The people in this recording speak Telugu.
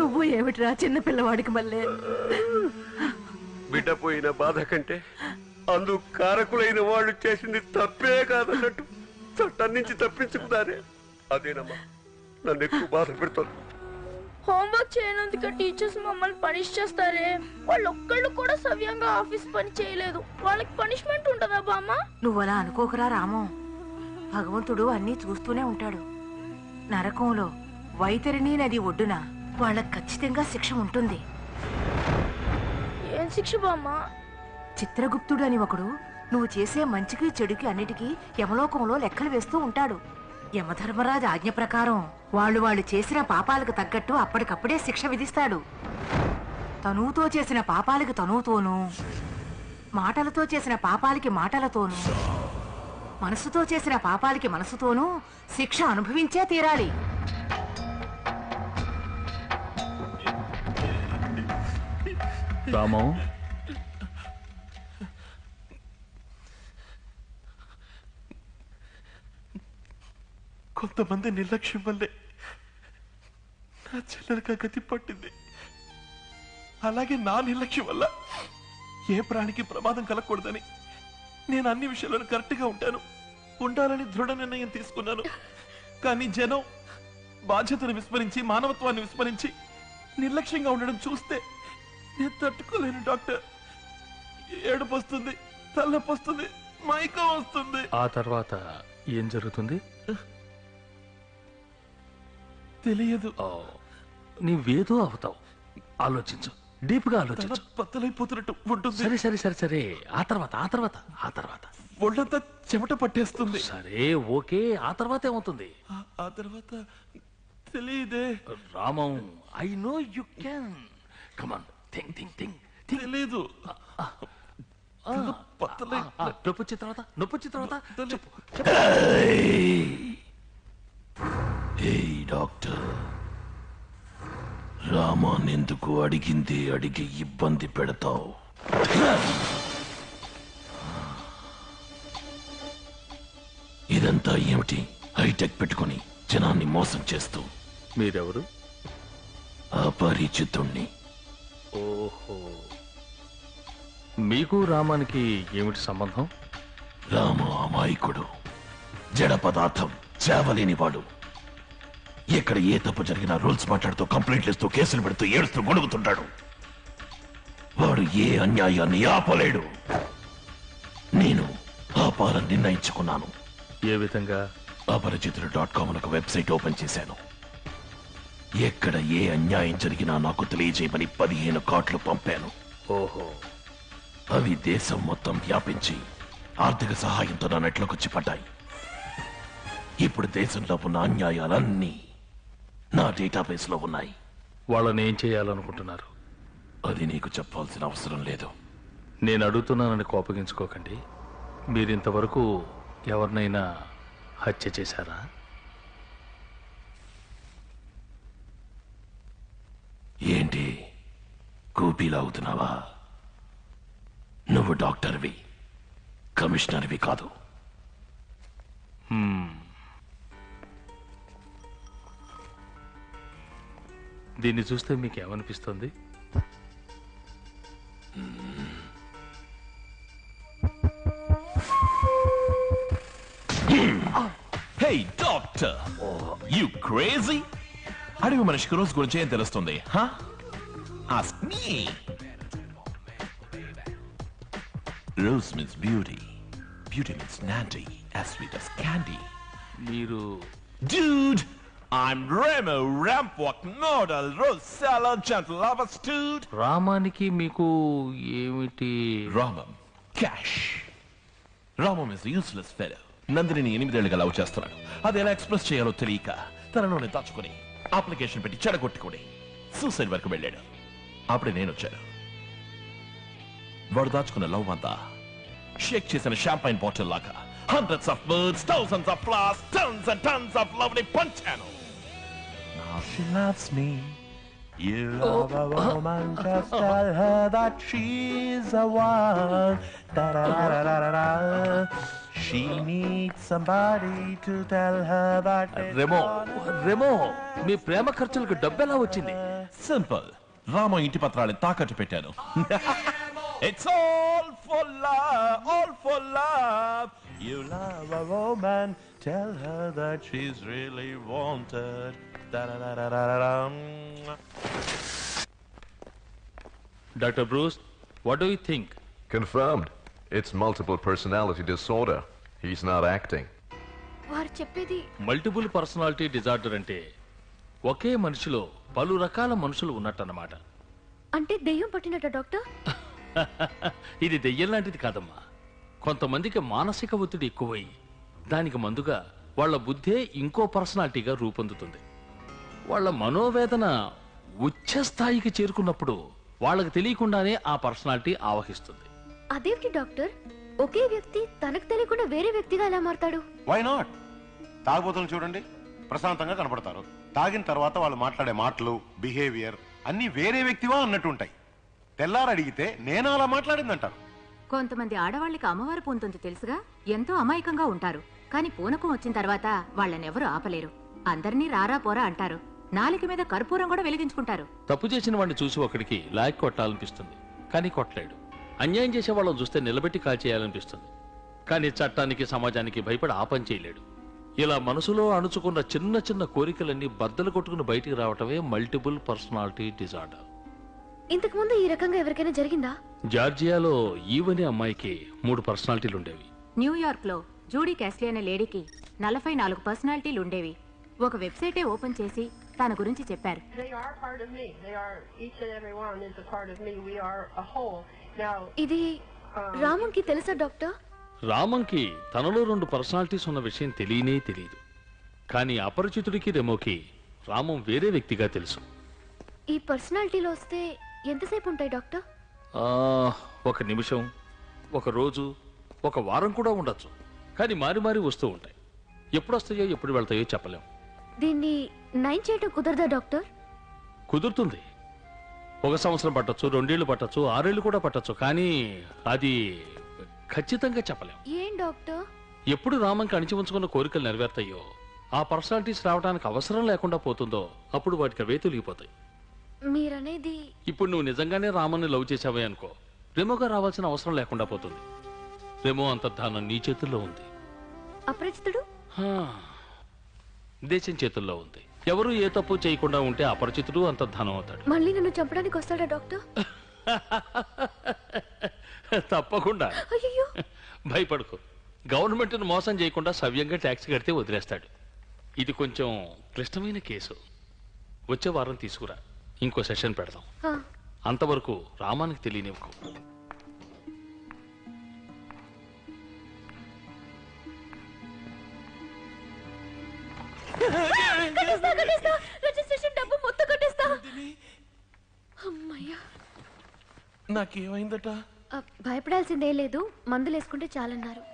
నువ్వు ఏమిట్రా చిన్న పిల్లవాడికి మళ్ళీ బిడ్డ పోయిన బాధ కంటే అందుకు కారకులైన వాళ్ళు చేసింది తప్పే కాదన్నట్టు చట్టం నుంచి తప్పించుకున్నారే అదేనమ్మా నన్ను ఎక్కువ బాధ పెడుతుంది. హోంవర్క్ చేయనందుకు టీచర్స్ మమ్మల్ని పనిష్ చేస్తారే. వాళ్ళు ఒక్కళ్ళు కూడా సవ్యంగా ఆఫీస్ పని చేయలేదు. వాళ్ళకి పనిష్మెంట్ ఉంటుందా బామ్మ? నువ్వు అలా అనుకోకరా రాము. భగవంతుడు అన్నీ చూస్తూనే ఉంటాడు. నరకంలో వైతరిణి నది ఒడ్డున వాళ్ళకి ఖచ్చితంగా శిక్ష ఉంటుంది. ఏం శిక్ష బామ్మ? చిత్రగుప్తుడు అని ఒకడు నువ్వు చేసే మంచికి చెడుకి అన్నిటికీ యమలోకంలో లెక్కలు వేస్తూ ఉంటాడు. యమధర్మరాజు ఆజ్ఞ ప్రకారం వాళ్ళు చేసిన పాపాలకు తగ్గట్టు అప్పటికప్పుడే శిక్ష విధిస్తాడు. తనువుతో చేసిన పాపాలకి తనువుతోనూ, మాటలతో చేసిన పాపాలకి మాటలతోనూ, మనసుతో చేసిన పాపాలకి మనసుతోనూ శిక్ష అనుభవించే తీరాలి. రామం, కొంతమంది నిర్లక్ష్యం వల్లే నా చెల్లెలకు గతి పట్టింది. అలాగే నా నిర్లక్ష్యం వల్ల ఏ ప్రాణికి ప్రమాదం కలగకూడదని నేను అన్ని విషయాలను కరెక్ట్గా ఉండాలని దృఢ నిర్ణయం తీసుకున్నాను. కానీ జనం బాధ్యతను విస్మరించి, మానవత్వాన్ని విస్మరించి నిర్లక్ష్యంగా ఉండడం చూస్తే నేను తట్టుకోలేను డాక్టర్. ఏడుపు వస్తుంది, తలనొప్పి వస్తుంది, మైకం వస్తుంది. ఆ తర్వాత ఏం జరుగుతుంది తెలియదు. నీవేదో అవుతావు. ఆలోచించు, డీప్ గా ఆలోచించు. బద్దలైపోతున్నట్టు ఉంటుంది. సరే సరే సరే సరే ఆ తర్వాత ఒళ్ళంతా చెమట పట్టేస్తుంది. సరే ఓకే, ఆ తర్వాత ఏమవుతుంది? ఆ తర్వాత తెలియదే. Ramam, I know you can. Come on, think think think. తెలీదు. నొప్పొచ్చిన తర్వాత చెప్పు. డాక్టర్, రామాన్ ఎందుకు అడిగి ఇబ్బంది పెడతావు? ఇదంతా ఏమిటి? హైటెక్ పెట్టుకుని జనాన్ని మోసం చేస్తూ. మీరెవరు? అపరిచితుణ్ణి. ఓహో, మీకు రామానికి ఏమిటి సంబంధం? రామ అమాయకుడు, జడ పదార్థం, చేవలేనివాడు. ఎక్కడ ఏ తప్పు జరిగినా రూల్స్ మాట్లాడుతూ, కంప్లైంట్లు ఇస్తూ, కేసులు పెడుతూ, ఏడుస్తూ గొడుగుతుంటాడు. వాడు ఏ అన్యాయాన్ని ఆపలేడు. నేను ఆపాలని నిర్ణయించుకున్నాను. ఏ విధంగా? అపరిచితుడు.com ఒక వెబ్సైట్ ఓపెన్ చేశాను. ఎక్కడ ఏ అన్యాయం జరిగినా నాకు తెలియజేయమని 15 కార్డులు పంపాను. ఓహో, అవి దేశం మొత్తం వ్యాపించి ఆర్థిక సహాయంతో నా నెట్లోకొచ్చి పడ్డాయి. ఇప్పుడు దేశంలో ఉన్న అన్యాయాలన్నీ నా డేటాబేస్ లో ఉన్నాయి. వాళ్ళని ఏం చేయాలనుకుంటున్నారు? అది నీకు చెప్పాల్సిన అవసరం లేదు. నేను అడుగుతున్నానని కోపగించుకోకండి. మీరింతవరకు ఎవరినైనా హత్య చేశారా? ఏంటి కూపీలాగుతున్నావా? నువ్వు డాక్టర్వి, కమిషనర్వి కాదు. దీన్ని చూస్తే మీకేమనిపిస్తుంది? Hey doctor, you crazy? అడవి మనిషికి రోజు గురించి ఏం తెలుస్తుంది? Ask me. Rose means beauty. Beauty means Nandy, as sweet as candy. మీరు? Dude, I'm Remo Rampwalk Model Rose Salad Gentle Lovers Dude. రామానికి మీకు ఏమిటి? Ramam, cash. Ramam is a useless fellow. Nandini 8 ఏళ్లుగా లవ్ చేస్తున్నాడు. అది ఎలా ఎక్స్ప్రెస్ చేయాలో తెలియక తనలోనే దాచుకుని అప్లికేషన్ పెట్టి చెడగొట్టుకుని సూసైడ్ వరకు వెళ్ళాడు. అప్పుడే నేను వచ్చాను. వాడు దాచుకున్న లవ్ అంతా షేక్ చేసిన షాంపైన్ బాటిల్ లాగా hundreds of words, thousands of flowers, tons and tons of lovely పంచాను. Now she loves me. You love a woman, just tell her that she's a one. Da-da-da-da-da-da. She needs somebody to tell her that. Remo, మీ ప్రేమ ఖర్చులకు డబ్బెలా వచ్చింది? సింపుల్. రామ ఇంటి పత్రాన్ని తాకట్టు పెట్టాను. It's all for love, all for love. You love a woman, tell her that she's really wanted. Da-da-da-da-da-da. Dr. Bruce, what do you think? Confirmed. It's multiple personality disorder. He's not acting. వారు చెప్పేది మల్టిపుల్ పర్సనాలిటీ డిజార్డర్ అంటే ఒకే మనిషిలో పలు రకాల మనుషులు ఉన్నట్టన్నమాట. అంటే దెయ్యం పట్టినట్ట డాక్టర్? ఇది దెయ్యం లాంటిది కాదమ్మా. కొంతమందికి మానసిక ఒత్తిడి ఎక్కువై దానికి మందుగా వాళ్ళ బుద్ధే ఇంకో పర్సనాలిటీగా రూపొందుతుంది. వాళ్ళ మనోవేదన ఉచ్చ స్థాయికి చేరుకున్నప్పుడు వాళ్ళకి తెలియకుండానే ఆ పర్సనాలిటీ ఆవహిస్తుంది. అదేంటి డాక్టర్, ఒకే వ్యక్తి తనకు తెలియకుండా వేరే వ్యక్తిగా ఎలా మారతాడు? Why not? తాగుబోతులు చూడండి, ప్రశాంతంగా కనపడతారు. తాగిన తర్వాత వాళ్ళు మాట్లాడే మాటలు, బిహేవియర్ అన్ని వేరే వ్యక్తివా అన్నట్టుంటాయి. తెల్లారు అడిగితే నేను అలా మాట్లాడిందంటారు. కొంతమంది ఆడవాళ్ళకి అమ్మవారు పూనుతుంది తెలుసుగా, ఎంతో అమాయకంగా ఉంటారు. కానీ పూనకం వచ్చిన తర్వాత వాళ్ళనెవరూ ఆపలేరు. అందరినీ రారా పోరా అంటారు. నాలుక మీద కర్పూరం కూడా వెలిగించుకుంటారు. తప్పు చేసిన వాడిని చూసి ఒకడికి లాక్ కొట్టాలనిపిస్తుంది, కానీ కొట్టలేడు. అన్యాయం చేసే వాళ్ళని చూస్తే నిలబెట్టి కాల్చేయాలనిపిస్తుంది, కానీ చట్టానికి సమాజానికి భయపడి ఆ పని చేయలేడు. ఇలా మనసులో అణుచుకున్న చిన్న చిన్న కోరికలన్నీ బద్దలు కొట్టుకుని బయటికి రావటమే మల్టిపుల్ పర్సనాలిటీ డిజార్డర్. ఇంతకు ముందు ఈ రకంగా ఎవరికైనా జరిగిందా? జార్జియాలో ఈవనే అమ్మాయికి 3 పర్సనాలిటీలు ఉండేవి. న్యూయార్క్ లో జూడీ క్యాస్లీ అనే లేడీకి 44 పర్సనాలిటీలు ఉండేవి. ఒక వెబ్సైటే ఓపెన్ చేసి తన గురించి చెప్పారు. They are part of me. They are, each and every one is a part of me. We are a whole. Now, ఇది రామంకి తెలుసా డాక్టర్? రామంకి తనలో 2 పర్సనాలిటీస్ ఉన్న విషయం తెలియనే తెలియదు. కానీ అపరిచితుడికి రెమోకి రామం వేరే వ్యక్తిగా తెలుసు. ఈ పర్సనాలిటీలో వస్తే ఎంతసేపు ఉంటాయి డాక్టర్? 1 నిమిషం, 1 రోజు, 1 వారం కూడా ఉండొచ్చు. కానీ మారి మారి వస్తూ ఉంటాయి. ఎప్పుడు వస్తాయో ఎప్పుడు వెళ్తాయో చెప్పలేం. దీన్ని నయం చేయటం కుదరదా డాక్టర్? కుదురుతుంది. 1 సంవత్సరం పట్టొచ్చు, 2 ఏళ్ళు పట్టొచ్చు, 6 ఏళ్ళు కూడా పట్టొచ్చు. కానీ అది ఖచ్చితంగా చెప్పలేం. ఏం డాక్టర్? ఎప్పుడు రామంకి అణిచి ఉంచుకున్న కోరికలు నెరవేర్తాయో, ఆ పర్సనాలిటీస్ రావడానికి అవసరం లేకుండా పోతుందో అప్పుడు వాటికి అవే తొలగిపోతాయి. మీరనేది ఇప్పుడు నువ్వు నిజంగానే రామన్ని లవ్ చేసావే అనుకో, రెమోగా రావాల్సిన అవసరం లేకుండా పోతుంది. రెమో అంతర్ధానం నీ చేతుల్లో ఉంది. అపరిచితుడు దేశం చేతుల్లో ఉంది. ఎవరు ఏ తప్పు చేయకుండా ఉంటే అపరిచితుడు అంతర్ధానం అవుతాడు. మళ్ళీ నన్ను చంపడానికి వస్తాడా డాక్టర్? తప్పకుండా. అయ్యో, భయపడుకో. గవర్నమెంట్ను మోసం చేయకుండా సవ్యంగా ట్యాక్స్ కడితే వదిలేస్తాడు. ఇది కొంచెం క్లిష్టమైన కేసు. వచ్చే వారం తీసుకురా, ఇంకో సెషన్ పెడదాం. అంతవరకు రామానికి తెలియనివ్వకు. రిజిస్ట్రేషన్ డబ్బు మొత్తం కట్టేస్తా. అమ్మయ్యా. నాకేమైందట? భయపడాల్సిందే లేదు, మందులు వేసుకుంటే చాలన్నారు.